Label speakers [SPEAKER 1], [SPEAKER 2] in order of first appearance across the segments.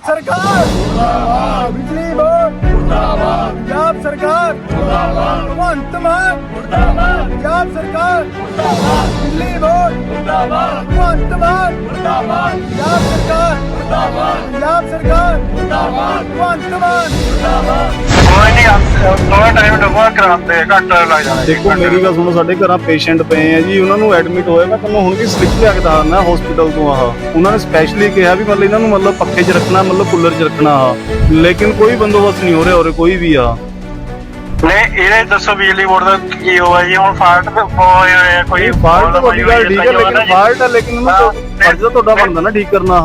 [SPEAKER 1] सरकार मुर्दाबाद, बिजली बोर्ड मुर्दाबाद, पंजाब सरकार मुर्दाबाद, भगवंत मान मुर्दाबाद, पंजाब सरकार मुर्दाबाद, बिजली बोर्ड मुर्दाबाद, भगवंत मान मुर्दाबाद, पंजाब सरकार मुर्दाबाद, पंजाब सरकार मुर्दाबाद, भगवंत मान मुर्दाबाद।
[SPEAKER 2] कोई नहीं थोड़ा टाइम लगेगा कराते घंटा लग जाना।
[SPEAKER 3] देखो मेरी गल सुनो, ਸਾਡੇ ਘਰਾਂ ਪੇਸ਼ੈਂਟ ਪਏ ਆ ਜੀ, ਉਹਨਾਂ ਨੂੰ ਐਡਮਿਟ ਹੋਏ। ਮੈਂ ਤੁਹਾਨੂੰ ਹੁਣ ਵੀ ਸਲਿੱਪ ਲਿਆ ਕੇ ਦੱਸਣਾ ਹਸਪੀਟਲ ਤੋਂ। ਉਹਨਾਂ ਨੇ ਸਪੈਸ਼ਲੀ ਕਿਹਾ ਵੀ ਮਤਲਬ ਇਹਨਾਂ ਨੂੰ ਮਤਲਬ ਪੱਖੇ 'ਚ ਰੱਖਣਾ, ਮਤਲਬ ਕੂਲਰ 'ਚ ਰੱਖਣਾ। ਲੇਕਿਨ ਕੋਈ ਬੰਦੋਬਸਤ ਨਹੀਂ ਹੋ ਰਿਹਾ ਉਰੇ ਕੋਈ ਵੀ ਆ।
[SPEAKER 2] ਨਹੀਂ ਇਹ ਦੱਸੋ ਬਿਜਲੀ ਬੋਰਡ ਦਾ ਕੀ ਹੋਇਆ ਜੀ? ਹੁਣ ਫਾਲਟ ਹੋਇਆ ਕੋਈ?
[SPEAKER 3] ਫਾਲਟ ਤਾਂ ਤੁਹਾਡੀ ਗੱਲ ਠੀਕ ਹੈ, ਲੇਕਿਨ ਫਾਲਟ ਹੈ, ਲੇਕਿਨ ਉਹਨਾਂ ਤੋਂ ਫਰਜ਼ ਤੁਹਾਡਾ ਬਣਦਾ ਨਾ ਠੀਕ ਕਰਨਾ।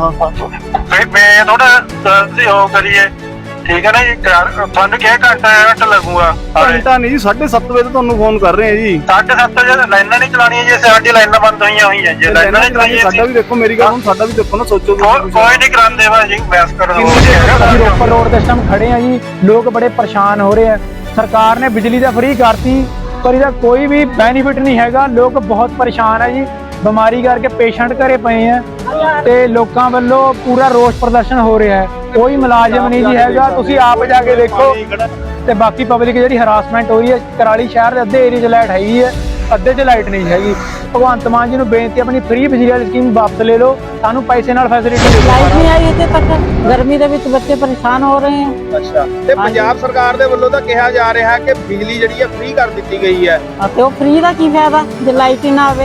[SPEAKER 2] ਮੈਂ ਥੋੜਾ ਉਹ ਕਰੀਏ, ਠੀਕ ਹੈ ਨਾ ਜੀ? ਤੁਹਾਨੂੰ ਕਿਹਾ ਘੰਟਾ ਲੱਗੂਗਾ।
[SPEAKER 3] ਘੰਟਾ ਨਹੀਂ ਜੀ, 7:30 ਵਜੇ ਤੋਂ ਤੁਹਾਨੂੰ ਫੋਨ ਕਰ ਰਹੇ ਆ ਜੀ।
[SPEAKER 2] 7:30 ਵਜੇ ਲਾਈਨਾਂ ਨਹੀਂ ਚਲਾਉਣੀਆਂ ਜੀ, ਸਾਡੀ ਲਾਈਨਾਂ ਬੰਦ ਹੋਈਆਂ ਜੀ। ਲਾਈਨਾਂ ਨਹੀਂ ਚਲਾਈਆਂ,
[SPEAKER 3] ਸਾਡਾ ਵੀ ਦੇਖੋ ਮੇਰੀ ਗੱਲ ਹੁਣ, ਸਾਡਾ ਵੀ ਦੇਖੋ ਨਾ, ਸੋਚੋ
[SPEAKER 2] ਕੋਈ ਨਹੀਂ ਕਰਾਉਂਦੇ ਵਾ ਜੀ। ਬੈਸ ਕਰਨ
[SPEAKER 1] ਅਸੀਂ ਰੋਪੜ ਰੋਡ ਤੇ ਇਸ ਟਾਈਮ ਖੜੇ ਆ ਜੀ, ਲੋਕ ਬੜੇ ਪਰੇਸ਼ਾਨ ਹੋ ਰਹੇ ਆ। ਸਰਕਾਰ ਨੇ ਬਿਜਲੀ ਦਾ ਫ੍ਰੀ ਕਰਤੀ, ਪਰ ਇਹਦਾ ਕੋਈ ਵੀ ਬੈਨੀਫਿਟ ਨਹੀਂ ਹੈਗਾ। ਲੋਕ ਬਹੁਤ ਪਰੇਸ਼ਾਨ ਆ ਜੀ, ਬਿਮਾਰੀ ਕਰਕੇ ਪੇਸ਼ੈਂਟ ਘਰੇ ਪਏ ਆ ਤੇ ਲੋਕਾਂ ਵੱਲੋਂ ਪੂਰਾ ਰੋਸ ਪ੍ਰਦਰਸ਼ਨ ਹੋ ਰਿਹਾ ਹੈ। ਕੋਈ ਮੁਲਾਜ਼ਮ ਨਹੀਂ ਜੀ ਹੈਗਾ, ਤੁਸੀਂ ਆਪ ਜਾ ਕੇ ਦੇਖੋ। ਤੇ ਬਾਕੀ ਪਬਲਿਕ ਜਿਹੜੀ ਹਰਾਸਮੈਂਟ ਹੋ ਰਹੀ ਹੈ, ਕੁਰਾਲੀ ਸ਼ਹਿਰ ਦੇ ਅੱਧੇ ਏਰੀਆ 'ਚ ਲਾਈਟ ਹੈਗੀ ਹੈ, ਅੱਧੇ 'ਚ ਲਾਈਟ ਨਹੀਂ ਹੈਗੀ। ਭਗਵੰਤ ਮਾਨ ਜੀ ਨੂੰ ਬੇਨਤੀ, ਆਪਣੀ ਫ੍ਰੀ ਬਿਜਲੀ ਵਾਲੀ ਸਕੀਮ ਵਾਪਸ ਲੈ ਲਓ, ਸਾਨੂੰ ਪੈਸੇ ਨਾਲ ਫੈਸਿਲਿਟੀ ਦਿਓ।
[SPEAKER 4] ਲਾਈਟ ਨਹੀਂ ਆਈ ਇੱਥੇ ਤੱਕ, ਗਰਮੀ ਦੇ ਵਿੱਚ ਬੱਚੇ ਪਰੇਸ਼ਾਨ ਹੋ ਰਹੇ ਹਨ।
[SPEAKER 5] ਅੱਛਾ, ਤੇ ਪੰਜਾਬ ਸਰਕਾਰ ਦੇ ਵੱਲੋਂ ਤਾਂ ਕਿਹਾ ਜਾ ਰਿਹਾ ਕਿ ਬਿਜਲੀ ਜਿਹੜੀ ਹੈ ਫ੍ਰੀ ਕਰ ਦਿੱਤੀ ਗਈ ਹੈ।
[SPEAKER 4] ਤੇ ਉਹ ਫ੍ਰੀ ਦਾ ਕੀ ਫਾਇਦਾ ਜੇ ਲਾਈਟ ਹੀ ਨਾ ਆਵੇ?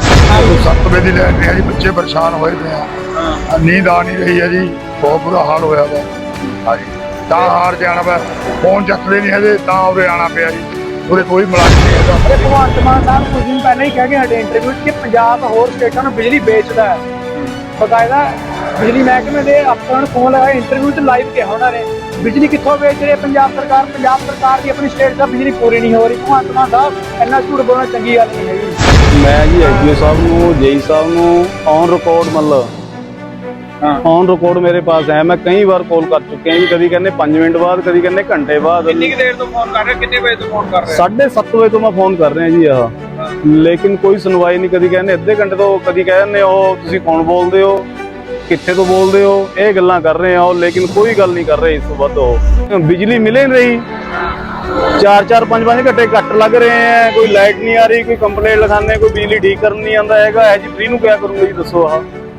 [SPEAKER 6] 7 ਵਜੇ ਦੀ ਲਾਈਟ ਨਹੀਂ ਹੈ ਜੀ, ਬੱਚੇ ਪਰੇਸ਼ਾਨ ਹੋਏ ਪਏ ਆ। ਨੀਂਦ ਆ ਨਹੀਂ ਰਹੀ ਹੈ ਜੀ, ਬਹੁਤ ਬੁਰਾ ਹਾਲ ਹੋਇਆ ਵਾ। ਹਾਂਜੀ, ਤਾਂ ਹਾਰ ਜਾਣਾ ਵਾ, ਫੋਨ ਚੱਕਦੇ ਨਹੀਂ ਹੈਗੇ, ਤਾਂ ਉਰੇ ਆਣਾ ਪਿਆ ਜੀ। ਉਰੇ ਕੋਈ ਮੁਲਾਜ਼ਮ ਨਹੀਂ ਹੈਗਾ।
[SPEAKER 1] ਭਗਵੰਤ ਮਾਨ ਸਾਹਿਬ ਕੁਝ ਦਿਨ ਪਹਿਲਾਂ ਹੀ ਕਹਿ ਕੇ ਹਟੇ ਇੰਟਰਵਿਊ 'ਚ ਕਿ ਪੰਜਾਬ ਹੋਰ ਸਟੇਟਾਂ ਨੂੰ ਬਿਜਲੀ ਵੇਚਦਾ ਹੈ। ਬਕਾਇਦਾ ਬਿਜਲੀ ਮਹਿਕਮੇ ਦੇ ਅਫਸਰਾਂ ਨੂੰ ਫੋਨ ਲਗਾਇਆ, ਇੰਟਰਵਿਊ 'ਚ ਲਾਈਵ ਕਿਹਾ ਉਹਨਾਂ ਨੇ ਬਿਜਲੀ ਕਿੱਥੋਂ ਵੇਚ ਰਹੇ ਪੰਜਾਬ ਸਰਕਾਰ। ਪੰਜਾਬ ਸਰਕਾਰ ਦੀ ਆਪਣੀ ਸਟੇਟ ਦਾ ਬਿਜਲੀ ਪੂਰੀ ਨਹੀਂ ਹੋ ਰਹੀ। ਭਗਵੰਤ ਮਾਨ ਸਾਹਿਬ ਇੰਨਾ ਝੂਠ ਬੋਲਣਾ ਚੰਗੀ ਗੱਲ ਨਹੀਂ ਹੈਗੀ।
[SPEAKER 3] ਮੈਂ ਜੀ ਐਸਡੀਓ ਸਾਹਿਬ ਨੂੰ, ਜੇਈ ਸਾਹਿਬ ਨੂੰ ਔਨ ਰਿਕਾਰਡ ਮਤਲਬ ਔਨ ਰਿਕਾਰਡ ਮੇਰੇ ਪਾਸ ਹੈ। ਮੈਂ ਕਈ ਵਾਰ ਕਾਲ ਕਰ ਚੁੱਕਿਆ ਜੀ, ਕਦੀ ਕਹਿੰਦੇ 5 ਮਿੰਟ ਬਾਅਦ, ਕਦੀ ਕਹਿੰਦੇ ਘੰਟੇ ਬਾਅਦ।
[SPEAKER 5] ਕਿੰਨੀ ਦੇਰ ਤੋਂ ਫੋਨ ਕਰ ਰਹੇ, ਕਿੰਨੇ ਵਜੇ ਤੋਂ ਫੋਨ ਕਰ ਰਹੇ?
[SPEAKER 3] 7:30 ਵਜੇ ਤੋਂ ਮੈਂ ਫੋਨ ਕਰ ਰਿਹਾ ਜੀ ਲੇਕਿਨ ਕੋਈ ਸੁਣਵਾਈ ਨਹੀਂ। ਕਦੀ ਕਹਿੰਦੇ ਅੱਧੇ ਘੰਟੇ ਤੋਂ, ਕਦੀ ਕਹਿੰਦੇ ਉਹ ਤੁਸੀਂ ਕੌਣ ਬੋਲਦੇ ਹੋ, ਕਿੱਥੇ ਤੋਂ ਬੋਲਦੇ ਹੋ, ਇਹ ਗੱਲਾਂ ਕਰ ਰਹੇ ਆ। ਲੇਕਿਨ ਕੋਈ ਗੱਲ ਨਹੀਂ ਕਰ ਰਹੇ ਇਸ ਤੋਂ ਵੱਧ। ਉਹ ਬਿਜਲੀ ਮਿਲੇ ਨਹੀਂ ਰਹੀ, 4-4 5-5 ਘੰਟੇ ਕੱਟ ਲੱਗ ਰਹੇ ਆ, ਕੋਈ ਲਾਈਟ ਨਹੀਂ ਆ ਰਹੀ, ਕੋਈ ਕੰਪਲੇਂਟ ਲਿਖਾਉਂਦੇ, ਕੋਈ ਬਿਜਲੀ ਠੀਕ ਕਰਨ ਨਹੀਂ ਆਉਂਦਾ ਹੈਗਾ। ਇਹ ਜੀ ਫ੍ਰੀ ਨੂੰ ਕਿਆ ਕਰੂੰਗਾ ਜੀ, ਦੱਸੋ।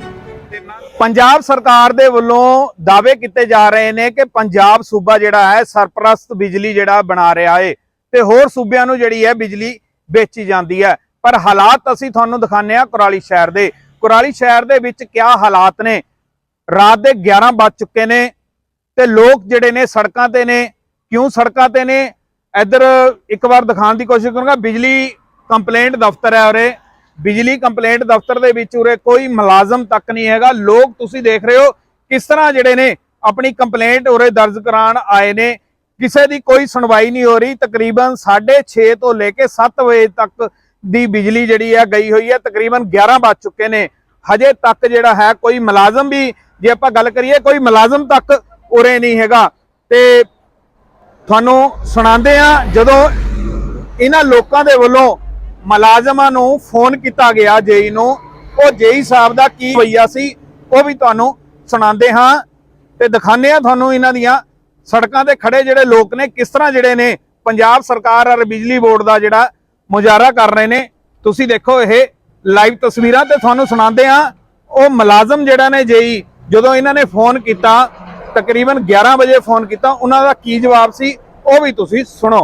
[SPEAKER 7] ਪੰਜਾਬ ਸਰਕਾਰ ਦੇ ਵੱਲੋਂ ਦਾਅਵੇ ਕੀਤੇ ਜਾ ਰਹੇ ਨੇ ਕਿ ਪੰਜਾਬ ਸੂਬਾ ਜਿਹੜਾ ਹੈ ਸਰਪ੍ਰਸਤ ਬਿਜਲੀ ਜਿਹੜਾ ਬਣਾ ਰਿਹਾ ਹੈ ਤੇ ਹੋਰ ਸੂਬਿਆਂ ਨੂੰ ਜਿਹੜੀ ਹੈ ਬਿਜਲੀ ਵੇਚੀ ਜਾਂਦੀ ਹੈ। ਪਰ ਹਾਲਾਤ ਅਸੀਂ ਤੁਹਾਨੂੰ ਦਿਖਾਉਂਦੇ ਆ ਕੁਰਾਲੀ ਸ਼ਹਿਰ ਦੇ। ਕੁਰਾਲੀ ਸ਼ਹਿਰ ਦੇ ਵਿੱਚ ਕਿਆ ਹਾਲਾਤ ਨੇ। ਰਾਤ ਦੇ 11 ਵੱਜ ਚੁੱਕੇ ਨੇ ਤੇ ਲੋਕ ਜਿਹੜੇ ਨੇ ਸੜਕਾਂ ਤੇ ਨੇ। ਕਿਉਂ ਸੜਕਾਂ ਤੇ ਨੇ, ਇੱਧਰ ਇੱਕ ਵਾਰ ਦਿਖਾਉਣ ਦੀ ਕੋਸ਼ਿਸ਼ ਕਰੂੰਗਾ। ਬਿਜਲੀ ਕੰਪਲੇਂਟ ਦਫ਼ਤਰ ਹੈ ਉਰੇ। ਬਿਜਲੀ ਕੰਪਲੇਂਟ ਦਫ਼ਤਰ ਦੇ ਵਿੱਚ ਉਰੇ ਕੋਈ ਮੁਲਾਜ਼ਮ ਤੱਕ ਨਹੀਂ ਹੈਗਾ। ਲੋਕ ਤੁਸੀਂ ਦੇਖ ਰਹੇ ਹੋ ਕਿਸ ਤਰ੍ਹਾਂ ਜਿਹੜੇ ਨੇ ਆਪਣੀ ਕੰਪਲੇਂਟ ਉਰੇ ਦਰਜ ਕਰਾਉਣ ਆਏ ਨੇ। ਕਿਸੇ ਦੀ ਕੋਈ ਸੁਣਵਾਈ ਨਹੀਂ ਹੋ ਰਹੀ। ਤਕਰੀਬਨ 6:30 ਤੋਂ ਲੈ ਕੇ 7 ਵਜੇ ਤੱਕ ਦੀ ਬਿਜਲੀ ਜਿਹੜੀ ਹੈ ਗਈ ਹੋਈ ਹੈ। ਤਕਰੀਬਨ 11 ਵੱਜ ਚੁੱਕੇ ਨੇ, ਹਜੇ ਤੱਕ ਜਿਹੜਾ ਹੈ ਕੋਈ ਮੁਲਾਜ਼ਮ ਵੀ, ਜੇ ਆਪਾਂ ਗੱਲ ਕਰੀਏ, ਕੋਈ ਮੁਲਾਜ਼ਮ ਤੱਕ ਉਰੇ ਨਹੀਂ ਹੈਗਾ। ਤੇ ਤੁਹਾਨੂੰ ਸੁਣਾਉਂਦੇ ਆ, ਜਦੋਂ ਇਹਨਾਂ ਲੋਕਾਂ ਦੇ ਵੱਲੋਂ ਮੁਲਾਜ਼ਮਾਂ ਨੂੰ ਫੋਨ ਕੀਤਾ ਗਿਆ ਜੇਈ ਨੂੰ, ਉਹ ਜੇਈ ਸਾਹਿਬ ਦਾ ਕੀ ਰਵੱਈਆ ਸੀ ਉਹ ਵੀ ਤੁਹਾਨੂੰ ਸੁਣਾਉਂਦੇ ਹਾਂ ਤੇ ਦਿਖਾਉਂਦੇ ਆ ਤੁਹਾਨੂੰ ਇਹਨਾਂ ਦੀਆਂ ਸੜਕਾਂ ਤੇ ਖੜੇ ਜਿਹੜੇ ਲੋਕ ਨੇ ਕਿਸ ਤਰ੍ਹਾਂ ਜਿਹੜੇ ਨੇ ਪੰਜਾਬ ਸਰਕਾਰ ਔਰ ਬਿਜਲੀ ਬੋਰਡ ਦਾ ਜਿਹੜਾ ਮੁਜ਼ਾਹਰਾ ਕਰ ਰਹੇ ਨੇ। ਤੁਸੀਂ ਦੇਖੋ ਇਹ ਲਾਈਵ ਤਸਵੀਰਾਂ ਤੇ ਤੁਹਾਨੂੰ ਸੁਣਾਉਂਦੇ ਆ। ਉਹ ਮੁਲਾਜ਼ਮ ਜਿਹੜਾ ਨੇ ਜੇਈ, ਜਦੋਂ ਇਹਨਾਂ ਨੇ ਫੋਨ ਕੀਤਾ ਤਕਰੀਬਨ 11 ਵਜੇ ਫੋਨ ਕੀਤਾ, ਉਹਨਾਂ ਦਾ ਕੀ ਜਵਾਬ ਸੀ ਉਹ ਵੀ ਤੁਸੀਂ ਸੁਣੋ।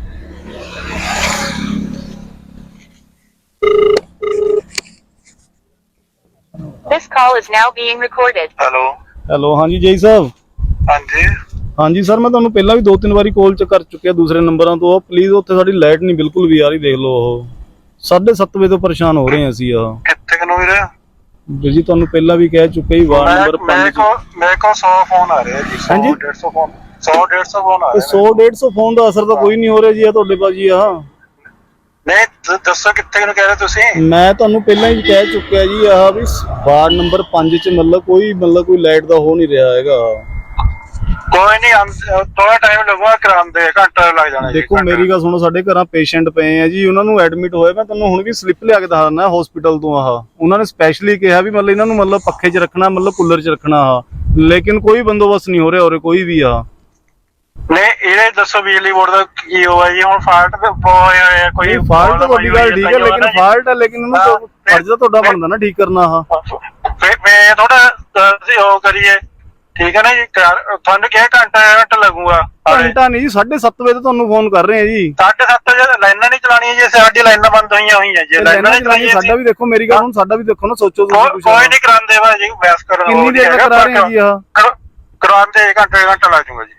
[SPEAKER 8] This call is now being recorded.
[SPEAKER 3] Hello, ਹਾਂਜੀ ਜੇਈ ਸਾਹਿਬ।
[SPEAKER 2] ਹਾਂਜੀ
[SPEAKER 3] ਹਾਂਜੀ ਸਰ, ਮੈਂ ਤੁਹਾਨੂੰ ਪਹਿਲਾਂ ਵੀ 2-3 ਵਾਰੀ ਕਾਲ ਚ ਕਰ ਚੁੱਕਿਆ ਦੂਸਰੇ ਨੰਬਰਾਂ ਤੋਂ। ਪਲੀਜ਼ ਉੱਥੇ ਸਾਡੀ ਲਾਈਟ ਨਹੀਂ ਬਿਲਕੁਲ ਵੀ ਆ ਰਹੀ, ਦੇਖ ਲਓ। ਉਹ 7:30 ਵਜੇ ਤੋਂ ਪਰੇਸ਼ਾਨ ਹੋ ਰਹੇ ਹਾਂ ਅਸੀਂ।
[SPEAKER 2] ਕਿੱਥੇ ਨੂੰ ਵੀਰੇ?
[SPEAKER 3] ਜੀ ਤੁਹਾਨੂੰ ਪਹਿਲਾਂ ਵੀ ਕਹਿ ਚੁੱਕਿਆ ਜੀ, ਵਾਰਡ ਨੰਬਰ 5।
[SPEAKER 2] ਮੇਰੇ ਕੋਲ 100 ਫੋਨ ਆ ਰਹੇ ਜੀ। 100-150 ਫੋਨ, 100-150 ਫੋਨ ਆ ਰਹੇ।
[SPEAKER 3] 100-150 ਫੋਨ ਦਾ ਅਸਰ ਤਾਂ ਕੋਈ ਨਹੀਂ ਹੋ ਰਿਹਾ ਜੀ ਤੁਹਾਡੇ ਬਾਜੀ।
[SPEAKER 2] ਨਹੀਂ ਦੱਸੋ ਕਿੱਥੇ ਨੂੰ ਕਹਿ ਰਹੇ ਤੁਸੀਂ?
[SPEAKER 3] ਮੈਂ ਤੁਹਾਨੂੰ ਪਹਿਲਾਂ ਹੀ ਕਹਿ ਚੁੱਕਿਆ ਜੀ ਵੀ ਵਾਰਡ ਨੰਬਰ 5 ਚ ਕੋਈ ਲਾਈਟ ਦਾ ਹੋ ਨਹੀਂ ਰਿਹਾ ਹੈਗਾ।
[SPEAKER 2] ਕੋਈ ਨਹੀਂ ਥੋੜਾ ਟਾਈਮ ਲੱਗੂਗਾ ਕਰਾਉਂਦੇ, ਘੰਟਾ ਲੱਗ ਜਾਣਾ।
[SPEAKER 3] ਦੇਖੋ ਮੇਰੀ ਗੱਲ ਸੁਣੋ, ਸਾਡੇ ਘਰਾਂ ਪੇਸ਼ੈਂਟ ਪਏ ਆ ਜੀ, ਉਹਨਾਂ ਨੂੰ ਐਡਮਿਟ ਹੋਏ। ਮੈਂ ਤੁਹਾਨੂੰ ਹੁਣ ਵੀ ਸਲਿੱਪ ਲਿਆ ਕੇ ਦੱਸਣਾ ਹਸਪੀਟਲ ਤੋਂ। ਉਹਨਾਂ ਨੇ ਸਪੈਸ਼ਲੀ ਕਿਹਾ ਵੀ ਮਤਲਬ ਇਹਨਾਂ ਨੂੰ ਪੱਖੇ 'ਚ ਰੱਖਣਾ, ਕੂਲਰ 'ਚ ਰੱਖਣਾ। ਲੇਕਿਨ ਕੋਈ ਬੰਦੋਬਸਤ ਨਹੀਂ ਹੋ ਰਿਹਾ ਉਰੇ ਕੋਈ ਵੀ ਆ।
[SPEAKER 2] ਨਹੀਂ ਇਹਦੇ ਦੱਸੋ ਬਿਜਲੀ ਬੋਰਡ ਦਾ ਕੀ ਹੋਇਆ ਜੀ? ਹੁਣ ਫਾਲਟ ਤੇ ਹੋਇਆ ਹੋਇਆ ਕੋਈ
[SPEAKER 3] ਫਾਲਟ ਤਾਂ ਵੱਡੀ ਗੱਲ ਠੀਕ ਹੈ, ਲੇਕਿਨ ਫਾਲਟ ਹੈ, ਲੇਕਿਨ ਉਹਨੂੰ ਫਰਜ਼ ਤਾਂ ਤੁਹਾਡਾ ਬਣਦਾ ਨਾ ਠੀਕ ਕਰਨਾ। ਆਹ
[SPEAKER 2] ਮੈਂ ਥੋੜਾ ਉਹ ਕਰੀਏ, ਠੀਕ ਹੈ ਨਾ ਜੀ। ਤੁਹਾਨੂੰ ਕਿਹਾ ਘੰਟਾ ਲੱਗੂਗਾ।
[SPEAKER 3] ਘੰਟਾ ਨਹੀਂ ਜੀ, 7:30 ਵਜੇ ਤੋਂ ਤੁਹਾਨੂੰ ਫੋਨ ਕਰ ਰਹੇ ਆ ਜੀ।
[SPEAKER 2] 7:30 ਵਜੇ ਲਾਈਨਾਂ ਨਹੀਂ ਚਲਾਣੀਆਂ ਜੀ, ਸਾਡੀ ਲਾਈਨਾਂ ਬੰਦ ਹੋਈਆਂ ਜੀ। ਲਾਈਨਾਂ ਨਹੀਂ ਚਲਾਈਆਂ,
[SPEAKER 3] ਸਾਡਾ ਵੀ ਦੇਖੋ, ਮੇਰੀ ਗੱਲ ਹੁਣ ਸਾਡਾ ਵੀ ਦੇਖੋ ਨਾ, ਸੋਚੋ ਤੁਸੀਂ ਕੁਛ।
[SPEAKER 2] ਕੋਈ ਨਹੀਂ ਕਰਾਉਂਦੇ ਭਾਜੀ, ਬਹਿਸ ਕਰਨ
[SPEAKER 3] ਕਿੰਨੀ ਦੇਰ ਤੱਕ ਕਰਾ ਰਹੇ ਆ ਜੀ? ਆਹ
[SPEAKER 2] ਕਰਾਉਂਦੇ ਘੰਟਾ ਲੱਗ ਜਾਊਗਾ ਜੀ।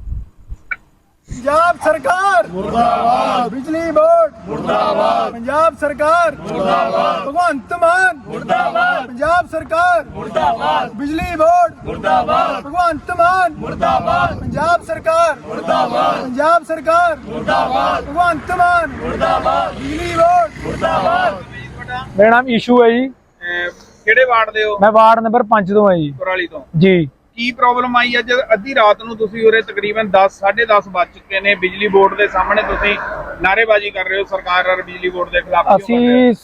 [SPEAKER 1] ਪੰਜਾਬ ਸਰਕਾਰ ਮੁਰਦਾਬਾਦ, ਬਿਜਲੀ ਬੋਰਡ ਮੁਰਦਾਬਾਦ, ਪੰਜਾਬ ਸਰਕਾਰ ਮੁਰਦਾਬਾਦ, ਭਗਵੰਤ ਮਾਨ ਮੁਰਦਾਬਾਦ, ਪੰਜਾਬ ਸਰਕਾਰ ਮੁਰਦਾਬਾਦ, ਬਿਜਲੀ ਬੋਰਡ ਮੁਰਦਾਬਾਦ, ਭਗਵੰਤ ਮਾਨ ਮੁਰਦਾਬਾਦ, ਪੰਜਾਬ ਸਰਕਾਰ ਮੁਰਦਾਬਾਦ, ਪੰਜਾਬ ਸਰਕਾਰ ਮੁਰਦਾਬਾਦ, ਭਗਵੰਤ ਮਾਨ ਮੁਰਦਾਬਾਦ, ਬਿਜਲੀ ਬੋਰਡ ਮੁਰਦਾਬਾਦ। ਮੇਰਾ ਨਾਮ ਈਸ਼ੂ ਹੈ ਜੀ।
[SPEAKER 5] ਕਿਹੜੇ ਵਾਰਡ ਦੇ ਹੋ?
[SPEAKER 1] ਮੈਂ ਵਾਰਡ ਨੰਬਰ 5 ਤੋਂ ਹਾਂ ਜੀ।
[SPEAKER 5] ਕੁਰਾਲੀ ਤੋਂ
[SPEAKER 1] ਜੀ।
[SPEAKER 5] ਕੀ ਪ੍ਰੋਬਲਮ ਆਈ ਅੱਜ ਅੱਧੀ ਰਾਤ ਨੂੰ ਤੁਸੀਂ ਉਰੇ ਤਕਰੀਬਨ 10:30 ਵੱਜ ਚੁੱਕੇ ਨੇ, ਬਿਜਲੀ ਬੋਰਡ ਦੇ ਸਾਹਮਣੇ ਤੁਸੀਂ ਨਾਅਰੇਬਾਜ਼ੀ ਕਰ ਰਹੇ ਹੋ ਸਰਕਾਰ ਔਰ ਬਿਜਲੀ ਬੋਰਡ ਦੇ ਖਿਲਾਫ?
[SPEAKER 1] ਅਸੀਂ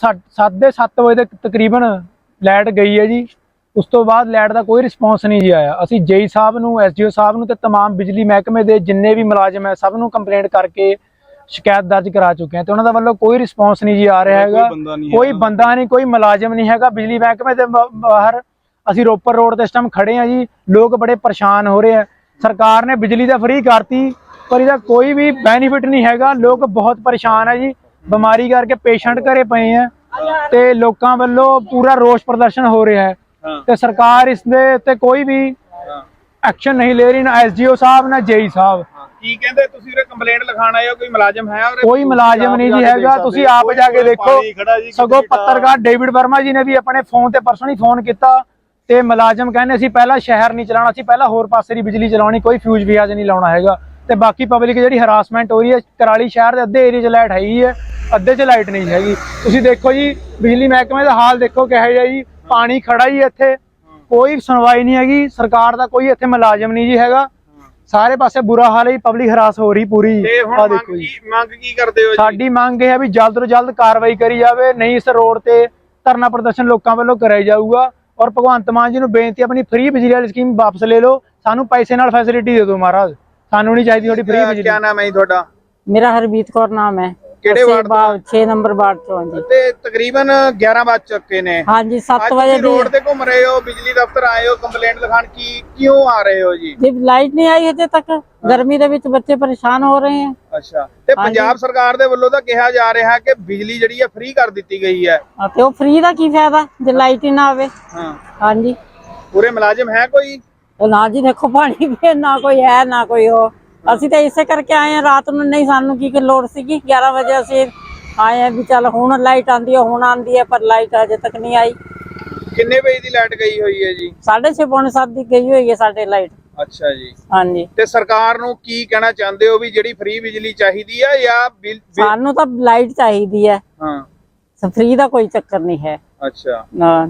[SPEAKER 1] 7:30 ਵਜੇ ਤੱਕ ਤਕਰੀਬਨ ਲਾਈਟ ਗਈ ਹੈ ਜੀ। ਉਸ ਤੋਂ ਬਾਅਦ ਲਾਈਟ ਦਾ ਕੋਈ ਰਿਸਪੌਂਸ ਨਹੀਂ ਜੀ ਆਇਆ। ਅਸੀਂ ਜੇਈ ਸਾਹਿਬ ਨੂੰ, ਐਸਡੀਓ ਸਾਹਿਬ ਨੂੰ ਤੇ तमाम ਬਿਜਲੀ ਮਹਿਕਮੇ ਦੇ ਜਿੰਨੇ ਵੀ ਮੁਲਾਜ਼ਮ ਹੈ ਸਭ ਨੂੰ ਕੰਪਲੇਂਟ ਕਰਕੇ ਸ਼ਿਕਾਇਤ ਦਰਜ ਕਰਾ ਚੁੱਕੇ ਹਾਂ ਤੇ ਉਹਨਾਂ ਦਾ ਵੱਲੋਂ ਕੋਈ ਰਿਸਪੌਂਸ ਨਹੀਂ ਜੀ ਆ ਰਿਹਾ ਹੈਗਾ। ਕੋਈ ਬੰਦਾ ਨਹੀਂ, ਕੋਈ ਮੁਲਾਜ਼ਮ ਨਹੀਂ ਹੈਗਾ ਬਿਜਲੀ ਮਹਿਕਮੇ ਦੇ ਬਾਹਰ। ਅਸੀਂ ਰੋਪੜ ਰੋਡ ਤੇ ਇਸ ਟਾਈਮ ਖੜੇ ਆ ਜੀ। ਲੋਕ ਬੜੇ ਪਰੇਸ਼ਾਨ ਹੋ ਰਹੇ ਆ। ਸਰਕਾਰ ਨੇ ਬਿਜਲੀ ਤਾਂ ਫ੍ਰੀ ਕਰਤੀ ਪਰ ਇਹਦਾ ਕੋਈ ਵੀ ਬੈਨੀਫਿਟ ਨਹੀਂ ਹੈਗਾ। ਲੋਕ ਬਹੁਤ ਪਰੇਸ਼ਾਨ ਆ ਜੀ। ਬਿਮਾਰੀ ਕਰਕੇ ਪੇਸ਼ੈਂਟ ਘਰੇ ਪਏ ਆ ਤੇ ਲੋਕਾਂ ਵੱਲੋਂ ਪੂਰਾ ਰੋਸ ਪ੍ਰਦਰਸ਼ਨ ਹੋ ਰਿਹਾ ਹੈ ਤੇ ਸਰਕਾਰ ਇਸ ਦੇ ਉੱਤੇ ਕੋਈ ਵੀ ਐਕਸ਼ਨ ਨਹੀਂ ਲੈ ਰਹੀ, ਨਾ ਐਸਡੀਓ ਸਾਹਿਬ ਨਾ ਜੇਈ ਸਾਹਿਬ।
[SPEAKER 5] ਕੀ ਕਹਿੰਦੇ ਤੁਸੀਂ ਉਰੇ ਕੰਪਲੇਂਟ ਲਿਖਾਣ ਆਏ ਹੋ? ਕੋਈ ਮੁਲਾਜ਼ਮ ਹੈ ਉਰੇ?
[SPEAKER 1] ਕੋਈ ਮੁਲਾਜ਼ਮ ਨਹੀਂ ਜੀ ਹੈਗਾ। ਤੁਸੀਂ ਆਪ ਜਾ ਕੇ ਦੇਖੋ। ਸਗੋਂ ਪੱਤਰਕਾਰ ਡੇਵਿਡ ਵਰਮਾ ਜੀ ਨੇ ਵੀ ਆਪਣੇ ਫੋਨ ਤੇ ਪਰਸਨਲੀ ਫੋਨ ਕੀਤਾ ਤੇ ਮੁਲਾਜ਼ਮ ਕਹਿੰਦੇ ਅਸੀਂ ਪਹਿਲਾਂ ਸ਼ਹਿਰ ਨਹੀਂ ਚਲਾਉਣਾ, ਅਸੀਂ ਪਹਿਲਾਂ ਹੋਰ ਪਾਸੇ ਦੀ ਬਿਜਲੀ ਚਲਾਉਣੀ, ਕੋਈ ਫਿਊਜ਼ ਵਿਆਜ ਨਹੀਂ ਲਾਉਣਾ ਹੈਗਾ। ਤੇ ਬਾਕੀ ਪਬਲਿਕ ਜਿਹੜੀ ਹਰਾਸਮੈਂਟ ਹੋ ਰਹੀ ਹੈ, ਕੁਰਾਲੀ ਸ਼ਹਿਰ ਦੇ ਅੱਧੇ ਏਰੀਆ 'ਚ ਲਾਈਟ ਹੈਗੀ ਹੈ, ਅੱਧੇ 'ਚ ਲਾਈਟ ਨਹੀਂ ਹੈਗੀ। ਤੁਸੀਂ ਦੇਖੋ ਜੀ ਬਿਜਲੀ ਮਹਿਕਮੇ ਦਾ ਹਾਲ ਦੇਖੋ ਕਿਹੋ ਜਿਹਾ ਜੀ। ਪਾਣੀ ਖੜਾ ਹੀ ਇੱਥੇ, ਕੋਈ ਸੁਣਵਾਈ ਨਹੀਂ ਹੈਗੀ। ਸਰਕਾਰ ਦਾ ਕੋਈ ਇੱਥੇ ਮੁਲਾਜ਼ਮ ਨਹੀਂ ਜੀ ਹੈਗਾ। ਸਾਰੇ ਪਾਸੇ ਬੁਰਾ ਹਾਲ ਹੈ, ਪਬਲਿਕ ਹਰਾਸ ਹੋ ਰਹੀ ਪੂਰੀ। ਆ ਦੇਖੋ ਜੀ।
[SPEAKER 5] ਮੰਗ ਕੀ ਕਰਦੇ ਹੋ?
[SPEAKER 1] ਸਾਡੀ ਮੰਗ ਇਹ ਹੈ ਵੀ ਜਲਦ ਤੋਂ ਜਲਦ ਕਾਰਵਾਈ ਕਰੀ ਜਾਵੇ, ਨਹੀਂ ਇਸ ਰੋਡ ਤੇ ਧਰਨਾ ਪ੍ਰਦਰਸ਼ਨ ਲੋਕਾਂ ਵੱਲੋਂ ਕਰਾਇਆ ਜਾਊਗਾ। ਔਰ ਭਗਵੰਤ ਮਾਨ ਜੀ ਨੂੰ ਬੇਨਤੀ, ਆਪਣੀ ਫ੍ਰੀ ਬਿਜਲੀ ਵਾਲੀ ਸਕੀਮ ਵਾਪਸ ਲੈ ਲਓ। ਸਾਨੂੰ ਪੈਸੇ ਨਾਲ ਫੈਸਿਲਿਟੀ ਦੇ ਦਿਓ ਮਹਾਰਾਜ, ਸਾਨੂੰ ਨਹੀਂ ਚਾਹੀਦੀ ਤੁਹਾਡੀ ਫ੍ਰੀ ਬਿਜਲੀ।
[SPEAKER 5] ਕੀ ਨਾਮ ਹੈ ਜੀ ਤੁਹਾਡਾ?
[SPEAKER 4] मेरा हरबीत कौर नाम है।
[SPEAKER 5] ਕਿਹੜੇ ਵਾਰਡ ਤੋਂ?
[SPEAKER 4] 6 नंबर वार्ड चो जी।
[SPEAKER 5] ਤੇ ਤਕਰੀਬਨ 11 ਵੱਜ ਚੁੱਕੇ ਨੇ।
[SPEAKER 4] हाँ जी, 7 बजे
[SPEAKER 5] रोड ਤੇ ਘੁੰਮ ਰਹੇ ਹੋ, ਬਿਜਲੀ ਦਫ਼ਤਰ ਆਏ ਹੋ ਕੰਪਲੇਂਟ ਲਿਖਾਣ, ਕੀ ਕਿਉਂ ਆ ਰਹੇ ਹੋ ਜੀ?
[SPEAKER 4] जी लाइट नहीं आई अजे तक। गर्मी ਦੇ ਵਿੱਚ ਬੱਚੇ ਪਰੇਸ਼ਾਨ ਹੋ ਰਹੇ हैं।
[SPEAKER 5] ਅੱਛਾ, ਤੇ ਪੰਜਾਬ ਸਰਕਾਰ ਦੇ ਵੱਲੋਂ ਤਾਂ ਕਿਹਾ ਜਾ ਰਿਹਾ ਹੈ ਕਿ ਬਿਜਲੀ ਜਿਹੜੀ ਹੈ ਫ੍ਰੀ ਕਰ ਦਿੱਤੀ ਗਈ ਹੈ।
[SPEAKER 4] ਤੇ ਉਹ ਫ੍ਰੀ ਦਾ ਕੀ ਫਾਇਦਾ ਜੇ ਲਾਈਟ ਹੀ ਨਾ ਆਵੇ?
[SPEAKER 5] ਹਾਂ
[SPEAKER 4] हाँ जी।
[SPEAKER 5] ਪੂਰੇ ਮੁਲਾਜ਼ਮ ਹੈ ਕੋਈ?
[SPEAKER 4] ਨਾ ਜੀ ਦੇਖੋ, ਪਾਣੀ ਵੀ ਨਾ ਕੋਈ ਹੈ ਨਾ ਕੋਈ ਹੋ। ਅਸੀਂ ਤਾਂ ਇਸੇ ਕਰਕੇ ਆਏ ਹਾਂ ਰਾਤ ਨੂੰ, ਨਹੀਂ ਸਾਨੂੰ ਕੀ ਲੋੜ ਸੀਗੀ। 11 ਵਜੇ ਅਸੀਂ ਆਏ ਵੀ ਚੱਲ ਹੁਣ ਲਾਈਟ ਆਂਦੀ ਹੈ, ਹੁਣ ਆਂਦੀ ਹੈ, ਪਰ ਲਾਈਟ ਅਜੇ ਤੱਕ ਨਹੀਂ ਆਈ।
[SPEAKER 5] ਕਿੰਨੇ ਵਜੇ ਦੀ ਲਾਈਟ ਗਈ ਹੋਈ ਹੈ ਜੀ?
[SPEAKER 4] 6:30 ਪੌਣੇ 7 ਦੀ ਗਈ ਹੋਈ ਹੈ ਸਾਡੇ ਲਾਈਟ।
[SPEAKER 5] ਅੱਛਾ ਜੀ।
[SPEAKER 4] ਹਾਂਜੀ।
[SPEAKER 5] ਤੇ ਸਰਕਾਰ ਨੂੰ ਕੀ ਕਹਿਣਾ ਚਾਹੁੰਦੇ ਹੋ ਵੀ ਜਿਹੜੀ ਫ੍ਰੀ ਬਿਜਲੀ ਚਾਹੀਦੀ ਹੈ ਜਾਂ
[SPEAKER 4] ਸਾਨੂੰ ਤਾਂ ਲਾਈਟ ਚਾਹੀਦੀ ਹੈ।
[SPEAKER 5] ਹਾਂ,
[SPEAKER 4] ਫ੍ਰੀ ਦਾ ਕੋਈ ਚੱਕਰ ਨਹੀਂ ਹੈ।
[SPEAKER 5] ਅੱਛਾ।
[SPEAKER 4] ਹਾਂ।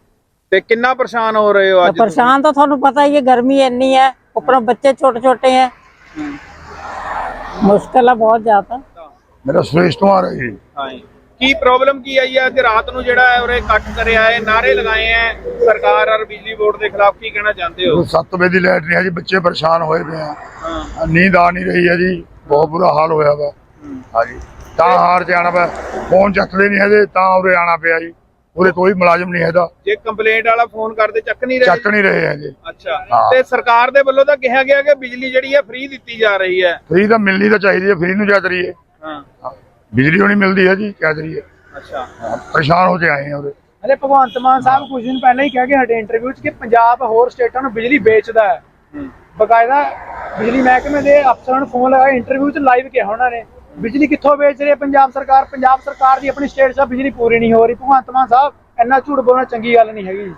[SPEAKER 5] ਤੇ ਕਿੰਨਾ ਪਰੇਸ਼ਾਨ ਹੋ ਰਹੇ ਹੋ ਅੱਜ?
[SPEAKER 4] ਪਰੇਸ਼ਾਨ ਤਾਂ ਤੁਹਾਨੂੰ ਪਤਾ ਹੀ ਹੈ, गर्मी ਇੰਨੀ ਹੈ, ਉੱਪਰੋਂ ਬੱਚੇ ਛੋਟੇ ਛੋਟੇ ਹੈ, ਮੁਸ਼ਕਿਲ ਹੈ ਬਹੁਤ ਜ਼ਿਆਦਾ।
[SPEAKER 6] ਮੇਰਾ ਸੁਰੇਸ਼ ਕੁਮਾਰ ਹੈ ਜੀ।
[SPEAKER 5] ਹਾਂ, ਕੀ ਪ੍ਰੋਬਲਮ ਕੀ ਆਈ ਹੈ ਅੱਜ ਰਾਤ ਨੂੰ ਜਿਹੜਾ ਹੈ ਉਰੇ ਇਕੱਠ ਕਰਿਆ ਹੈ, ਨਾਰੇ ਲਗਾਏ ਹੈ ਸਰਕਾਰ ਔਰ ਬਿਜਲੀ ਬੋਰਡ ਦੇ ਖਿਲਾਫ? ਕੀ ਕਹਿਣਾ ਚਾਹੁੰਦੇ ਹੋ?
[SPEAKER 6] 7 ਵਜੇ ਦੀ ਲਾਈਟ ਨਹੀਂ ਹੈ ਜੀ, ਬੱਚੇ ਪਰੇਸ਼ਾਨ ਹੋਏ ਪਏ ਆ।
[SPEAKER 5] ਹਾਂ,
[SPEAKER 6] ਨੀਂਦ ਆ ਨਹੀਂ ਰਹੀ ਹੈ ਜੀ, ਬਹੁਤ ਬੁਰਾ ਹਾਲ ਹੋਇਆ ਵਾ। ਹਾਂਜੀ, ਤਾਂ ਹਾਰ ਚ ਆਣਾ ਪਿਆ। ਫੋਨ ਚੱਕਦੇ ਨਹੀਂ ਹੈਗੇ ਤਾਂ ਉਰੇ ਆਣਾ ਪਿਆ ਜੀ। ਉਰੇ ਕੋਈ ਮੁਲਾਜ਼ਮ ਨਹੀਂ ਹੈਗਾ।
[SPEAKER 5] ਜੇ ਕੰਪਲੇਂਟ ਵਾਲਾ ਫੋਨ ਕਰਦੇ ਚੱਕ ਨਹੀਂ ਰਹੇ?
[SPEAKER 6] ਚੱਕ ਨਹੀਂ ਰਹੇ ਹੈਗੇ।
[SPEAKER 5] ਅੱਛਾ,
[SPEAKER 6] ਹਾਂ।
[SPEAKER 5] ਤੇ ਸਰਕਾਰ ਦੇ ਵੱਲੋਂ ਤਾਂ ਕਿਹਾ ਗਿਆ ਕਿ ਬਿਜਲੀ ਜਿਹੜੀ ਹੈ ਫ੍ਰੀ ਦਿੱਤੀ ਜਾ ਰਹੀ ਹੈ।
[SPEAKER 6] ਫ੍ਰੀ ਤਾਂ ਮਿਲਣੀ ਤਾਂ ਚਾਹੀਦੀ ਹੈ, ਫ੍ਰੀ ਨੂੰ ਕਿਆ ਕਰੀਏ?
[SPEAKER 5] ਹਾਂ,
[SPEAKER 6] ਬਿਜਲੀ ਹੋਣੀ ਮਿਲਦੀ ਹੈ ਜੀ, ਕਿਆ ਕਰੀਏ?
[SPEAKER 5] ਅੱਛਾ।
[SPEAKER 6] ਪਰੇਸ਼ਾਨ ਹੋ ਕੇ ਆਏ ਆ ਉਰੇ।
[SPEAKER 1] ਅਰੇ ਭਗਵੰਤ ਮਾਨ ਸਾਹਿਬ ਕੁਝ ਦਿਨ ਪਹਿਲਾਂ ਹੀ ਕਹਿ ਕੇ ਹਟੇ ਇੰਟਰਵਿਊ 'ਚ ਕਿ ਪੰਜਾਬ ਹੋਰ ਸਟੇਟਾਂ ਨੂੰ ਬਿਜਲੀ ਵੇਚਦਾ ਹੈ। ਬਕਾਇਦਾ ਬਿਜਲੀ ਮਹਿਕਮੇ ਦੇ ਅਫਸਰਾਂ ਨੂੰ ਫੋਨ ਲਗਾਇਆ, ਇੰਟਰਵਿਊ 'ਚ ਲਾਈਵ ਕਿਹਾ ਉਹਨਾਂ ਨੇ ਬਿਜਲੀ ਕਿੱਥੋਂ ਵੇਚ ਰਹੀ ਹੈ ਪੰਜਾਬ ਸਰਕਾਰ। ਪੰਜਾਬ ਸਰਕਾਰ ਦੀ ਆਪਣੀ ਸਟੇਟ 'ਚ ਬਿਜਲੀ ਪੂਰੀ ਨਹੀਂ ਹੋ ਰਹੀ। ਭਗਵੰਤ ਮਾਨ ਸਾਹਿਬ ਇੰਨਾ ਝੂਠ ਬੋਲਣਾ ਚੰਗੀ ਗੱਲ ਨਹੀਂ ਹੈਗੀ।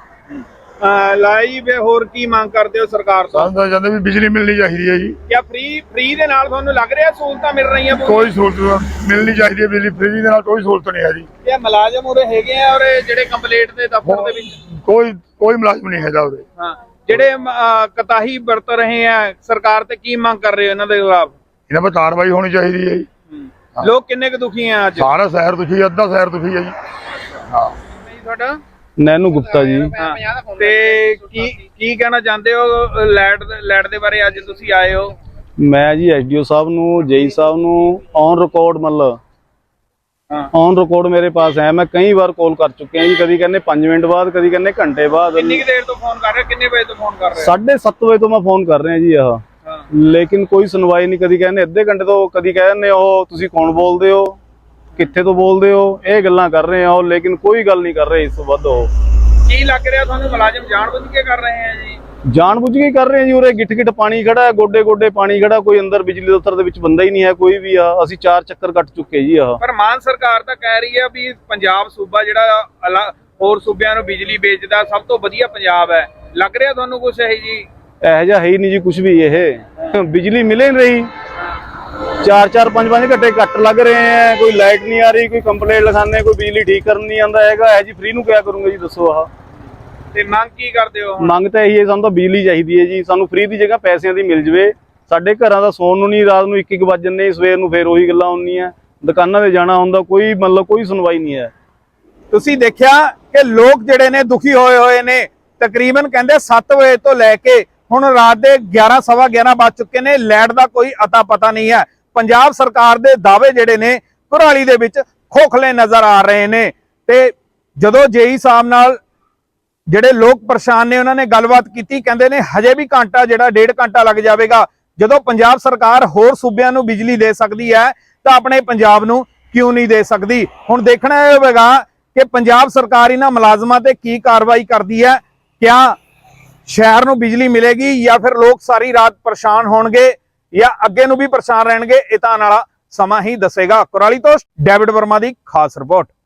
[SPEAKER 5] ਲਾਈਵ ਹੋਰ ਕੀ ਮੰਗ ਕਰਦੇ ਹੋ ਸਰਕਾਰ ਤੋਂ?
[SPEAKER 6] ਸਾਨੂੰ ਤਾਂ ਜਾਂਦੇ ਵੀ ਬਿਜਲੀ ਮਿਲਣੀ ਚਾਹੀਦੀ ਹੈ ਜੀ।
[SPEAKER 5] ਕਿਆ ਫ੍ਰੀ ਦੇ ਨਾਲ ਤੁਹਾਨੂੰ ਲੱਗ ਰਿਹਾ ਸਹੂਲਤਾਂ ਮਿਲ ਰਹੀਆਂ?
[SPEAKER 6] ਕੋਈ ਸਹੂਲਤ ਮਿਲਣੀ ਚਾਹੀਦੀ ਹੈ, ਬਿਜਲੀ ਫ੍ਰੀ ਦੇ ਨਾਲ ਕੋਈ ਸਹੂਲਤ ਨਹੀਂ ਹੈ ਜੀ।
[SPEAKER 5] ਇਹ ਮੁਲਾਜ਼ਮ ਉਰੇ ਹੈਗੇ ਆ ਔਰ ਜਿਹੜੇ ਕੰਪਲੇਂਟ ਦੇ ਦਫ਼ਤਰ ਦੇ ਵਿੱਚ?
[SPEAKER 6] ਕੋਈ ਮੁਲਾਜ਼ਮ ਨਹੀਂ ਹੈਗਾ ਉਰੇ।
[SPEAKER 5] ਹਾਂ, ਜਿਹੜੇ ਕਤਾਹੀ ਵਰਤ ਰਹੇ ਆ ਸਰਕਾਰ ਤੇ ਕੀ ਮੰਗ ਕਰ ਰਹੇ ਹੋ ਇਹਨਾਂ ਦੇ ਖਿਲਾਫ?
[SPEAKER 6] ਇਹਨਾਂ 'ਤੇ ਕਾਰਵਾਈ ਹੋਣੀ ਚਾਹੀਦੀ ਹੈ ਜੀ।
[SPEAKER 5] ਲੋਕ ਕਿੰਨੇ ਕੁ ਦੁਖੀ ਆ ਅੱਜ?
[SPEAKER 6] ਸਾਰਾ ਸ਼ਹਿਰ ਦੁਖੀ, ਅੱਧਾ ਸ਼ਹਿਰ ਦੁਖੀ ਹੈ ਜੀ। ਹਾਂ।
[SPEAKER 5] ਤੁਹਾਡਾ
[SPEAKER 3] ਨੈਨੂ ਗੁਪਤਾ ਜੀ।
[SPEAKER 5] ਹਾਂ, ਤੇ ਕੀ ਕਹਿਣਾ ਚਾਹੁੰਦੇ ਹੋ ਲਾਈਟ ਦੇ ਬਾਰੇ? ਅੱਜ ਤੁਸੀਂ ਆਏ ਹੋ।
[SPEAKER 3] ਮੈਂ ਜੀ ਐਸਡੀਓ ਸਾਹਿਬ ਨੂੰ, ਜੇਈ ਸਾਹਿਬ ਨੂੰ ਔਨ ਰਿਕਾਰਡ ਮਤਲਬ ਔਨ ਰਿਕਾਰਡ ਮੇਰੇ ਪਾਸ ਹੈ। ਮੈਂ ਕਈ ਵਾਰ ਕਾਲ ਕਰ ਚੁੱਕਿਆ ਜੀ, ਕਦੀ ਕਹਿੰਦੇ 5 ਮਿੰਟ ਬਾਅਦ, ਕਦੀ ਕਹਿੰਦੇ ਘੰਟੇ ਬਾਅਦ।
[SPEAKER 5] ਕਿੰਨੀ ਦੇਰ ਤੋਂ ਫੋਨ ਕਰ ਰਹੇ? ਕਿੰਨੇ ਵਜੇ ਤੋਂ ਫੋਨ ਕਰ ਰਹੇ?
[SPEAKER 3] 7:30 ਵਜੇ ਤੋਂ ਮੈਂ ਫੋਨ ਕਰ ਰਿਹਾ ਜੀ ਆਹ, ਲੇਕਿਨ ਕੋਈ ਸੁਣਵਾਈ ਨਹੀਂ। ਕਦੀ ਕਹਿੰਦੇ ਅੱਧੇ ਘੰਟੇ ਤੋਂ, ਕਦੀ ਕਹਿੰਦੇ ਉਹ ਤੁਸੀਂ ਕੌਣ ਬੋਲਦੇ ਹੋ, ਕਿੱਥੇ ਤੋਂ ਬੋਲਦੇ ਹੋ, ਇਹ ਗੱਲਾਂ ਕਰ ਰਹੇ ਆ, ਲੇਕਿਨ ਕੋਈ ਗੱਲ ਨਹੀਂ ਕਰ ਰਹੇ ਇਸ ਤੋਂ ਵੱਧ। ਉਹ
[SPEAKER 5] ਕੀ ਲੱਗ ਰਿਹਾ ਤੁਹਾਨੂੰ ਮੁਲਾਜ਼ਮ ਜਾਣਬੁੱਝ ਕੇ ਕਰ ਰਹੇ ਆ ਜੀ?
[SPEAKER 3] ਜਾਣਬੁੱਝ ਕੇ ਕਰ ਰਹੇ ਆ ਜੀ। ਉਰੇ ਗਿੱਠ ਪਾਣੀ ਖੜਾ ਹੈ, ਗੋਡੇ ਪਾਣੀ ਖੜਾ, ਕੋਈ ਅੰਦਰ ਬਿਜਲੀ ਦਫ਼ਤਰ ਦੇ ਵਿੱਚ ਬੰਦਾ ਹੀ ਨਹੀਂ ਹੈ ਕੋਈ ਵੀ। ਆ ਅਸੀਂ 4 ਚੱਕਰ ਕੱਟ ਚੁੱਕੇ ਜੀ ਆਹ।
[SPEAKER 5] ਪਰ ਮਾਨ ਸਰਕਾਰ ਤਾਂ ਕਹਿ ਰਹੀ ਹੈ ਵੀ ਪੰਜਾਬ ਸੂਬਾ ਜਿਹੜਾ ਹੋਰ ਸੂਬਿਆਂ ਨੂੰ ਬਿਜਲੀ ਵੇਚਦਾ ਸਭ ਤੋਂ ਵਧੀਆ ਪੰਜਾਬ ਹੈ। ਲੱਗ ਰਿਹਾ ਤੁਹਾਨੂੰ ਕੁਛ ਇਹ ਜੀ?
[SPEAKER 3] ਇਹੋ ਜਿਹਾ ਹੈ ਹੀ ਨਹੀਂ ਜੀ ਕੁਝ ਵੀ। ਇਹ ਬਿਜਲੀ ਮਿਲੇ ਨਹੀਂ ਰਹੀ, 4-4 5-5 ਘੰਟੇ ਕੱਟ ਲੱਗ ਰਹੇ ਹੈ, ਕੋਈ ਲਾਈਟ ਨਹੀਂ ਆ ਰਹੀ, ਕੋਈ ਕੰਪਲੇਂਟ ਲਿਖਾਉਂਦੇ, ਕੋਈ ਬਿਜਲੀ ਠੀਕ ਕਰਨ ਨਹੀਂ ਆਉਂਦਾ ਹੈਗਾ। ਇਹ ਜੀ ਫ੍ਰੀ ਨੂੰ ਕਿਆ ਕਰੂੰਗਾ ਜੀ, ਦੱਸੋ। ਆਹ
[SPEAKER 5] ਤੇ ਮੰਗ ਕੀ ਕਰਦੇ ਹੋ?
[SPEAKER 3] ਮੰਗ ਤਾਂ ਇਹੀ ਹੈ, ਸਾਨੂੰ ਤਾਂ ਬਿਜਲੀ ਚਾਹੀਦੀ ਹੈ ਜੀ। ਸਾਨੂੰ ਫ੍ਰੀ ਦੀ ਜਗ੍ਹਾ ਪੈਸਿਆਂ ਦੀ ਮਿਲ ਜਵੇ। ਸਾਡੇ ਘਰਾਂ ਦਾ ਸੌਣ ਨੂੰ ਨਹੀਂ, ਰਾਤ ਨੂੰ 1-1 ਵੱਜ ਜਾਂਦੇ, ਸਵੇਰ ਨੂੰ ਫੇਰ ਉਹੀ ਗੱਲਾਂ ਹੁੰਦੀਆਂ, ਦੁਕਾਨਾਂ ਤੇ ਜਾਣਾ ਹੁੰਦਾ, ਕੋਈ ਮਤਲਬ ਕੋਈ ਸੁਣਵਾਈ ਨਹੀਂ ਹੈ।
[SPEAKER 7] ਤੁਸੀਂ ਦੇਖਿਆ ਕਿ ਲੋਕ ਜਿਹੜੇ ਨੇ ਦੁਖੀ ਹੋਏ ਨੇ। ਤਕਰੀਬਨ ਕਹਿੰਦੇ 7 ਵਜੇ ਤੋਂ ਲੈ ਕੇ ਹੁਣ ਰਾਤ ਦੇ 11 ਸਵਾ 11 ਵੱਜ ਚੁੱਕੇ ਨੇ, ਲਾਈਟ ਦਾ ਕੋਈ ਅਤਾ ਪਤਾ ਨਹੀਂ ਹੈ। ਪੰਜਾਬ ਸਰਕਾਰ ਦੇ ਦਾਅਵੇ ਜਿਹੜੇ ਨੇ ਕੁਰਾਲੀ ਦੇ ਵਿੱਚ ਖੋਖਲੇ ਨਜ਼ਰ ਆ ਰਹੇ ਨੇ। ਤੇ ਜਦੋਂ ਜੇਈ ਸਾਹਿਬ ਨਾਲ ਜਿਹੜੇ ਲੋਕ ਪਰੇਸ਼ਾਨ ਨੇ ਉਹਨਾਂ ਨੇ ਗੱਲਬਾਤ ਕੀਤੀ, ਕਹਿੰਦੇ ਨੇ ਹਜੇ ਵੀ ਘੰਟਾ ਜਿਹੜਾ 1.5 ਘੰਟਾ ਲੱਗ ਜਾਵੇਗਾ। ਜਦੋਂ ਪੰਜਾਬ ਸਰਕਾਰ ਹੋਰ ਸੂਬਿਆਂ ਨੂੰ ਬਿਜਲੀ ਦੇ ਸਕਦੀ ਹੈ ਤਾਂ ਆਪਣੇ ਪੰਜਾਬ ਨੂੰ ਕਿਉਂ ਨਹੀਂ ਦੇ ਸਕਦੀ? ਹੁਣ ਦੇਖਣਾ ਇਹ ਹੋਵੇਗਾ ਕਿ ਪੰਜਾਬ ਸਰਕਾਰ ਇਹਨਾਂ ਮੁਲਾਜ਼ਮਾਂ ਤੇ ਕੀ ਕਾਰਵਾਈ ਕਰਦੀ ਹੈ। ਕਿਆ ਸ਼ਹਿਰ ਨੂੰ ਬਿਜਲੀ ਮਿਲੇਗੀ ਜਾਂ ਫਿਰ ਲੋਕ ਸਾਰੀ ਰਾਤ ਪਰੇਸ਼ਾਨ ਹੋਣਗੇ ਜਾਂ ਅੱਗੇ ਨੂੰ ਵੀ ਪਰੇਸ਼ਾਨ ਰਹਿਣਗੇ? ਇਹ ਤਾਂ ਆਉਣ ਵਾਲਾ ਸਮਾਂ ਹੀ ਦੱਸੇਗਾ। ਕੁਰਾਲੀ ਤੋਂ ਡੇਵਿਡ ਵਰਮਾ ਦੀ ਖਾਸ ਰਿਪੋਰਟ।